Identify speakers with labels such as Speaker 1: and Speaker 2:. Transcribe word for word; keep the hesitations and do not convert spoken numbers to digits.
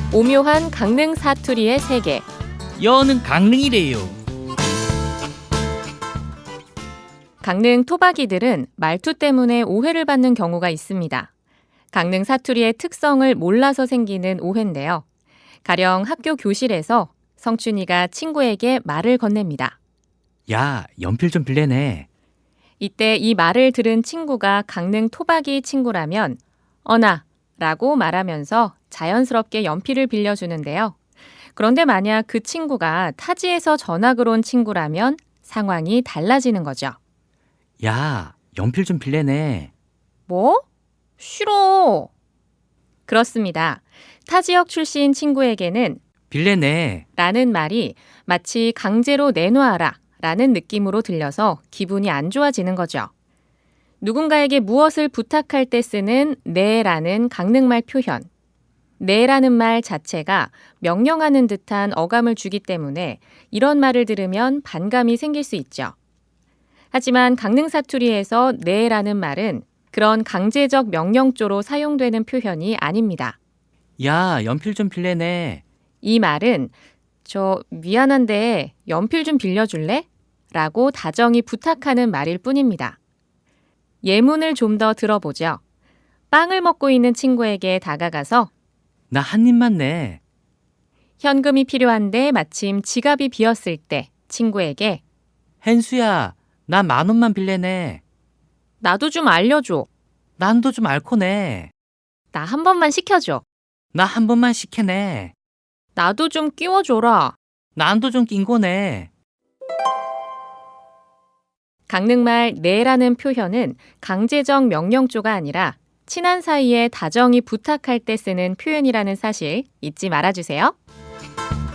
Speaker 1: 오묘한 강릉 사투리의 세계.
Speaker 2: 여는 강릉이래요.
Speaker 1: 강릉 토박이들은 말투 때문에 오해를 받는 경우가 있습니다. 강릉 사투리의 특성을 몰라서 생기는 오해인데요. 가령 학교 교실에서 성춘이가 친구에게 말을 건넵니다.
Speaker 2: 야, 연필 좀 빌래네.
Speaker 1: 이때 이 말을 들은 친구가 강릉 토박이 친구라면 어나 라고 말하면서 자연스럽게 연필을 빌려주는데요. 그런데 만약 그 친구가 타지에서 전학을 온 친구라면 상황이 달라지는 거죠.
Speaker 2: 야, 연필 좀 빌래네.
Speaker 1: 뭐? 싫어. 그렇습니다. 타 지역 출신 친구에게는
Speaker 2: 빌래네.
Speaker 1: 라는 말이 마치 강제로 내놔라 라는 느낌으로 들려서 기분이 안 좋아지는 거죠. 누군가에게 무엇을 부탁할 때 쓰는 네라는 강릉말 표현. 네라는 말 자체가 명령하는 듯한 어감을 주기 때문에 이런 말을 들으면 반감이 생길 수 있죠. 하지만 강릉 사투리에서 네라는 말은 그런 강제적 명령조로 사용되는 표현이 아닙니다.
Speaker 2: 야, 연필 좀 빌래네.
Speaker 1: 이 말은 저 미안한데 연필 좀 빌려줄래? 라고 다정히 부탁하는 말일 뿐입니다. 예문을 좀 더 들어보죠. 빵을 먹고 있는 친구에게 다가가서
Speaker 2: 나 한 입만 내.
Speaker 1: 현금이 필요한데 마침 지갑이 비었을 때 친구에게
Speaker 2: 헨수야, 나 만 원만 빌래네.
Speaker 1: 나도 좀 알려줘.
Speaker 2: 난도 좀 앓고 내.
Speaker 1: 나 한 번만 시켜줘.
Speaker 2: 나 한 번만 시켜내.
Speaker 1: 나도 좀 끼워줘라.
Speaker 2: 난도 좀 낀거네.
Speaker 1: 강릉말 네라는 표현은 강제적 명령조가 아니라 친한 사이에 다정히 부탁할 때 쓰는 표현이라는 사실 잊지 말아주세요.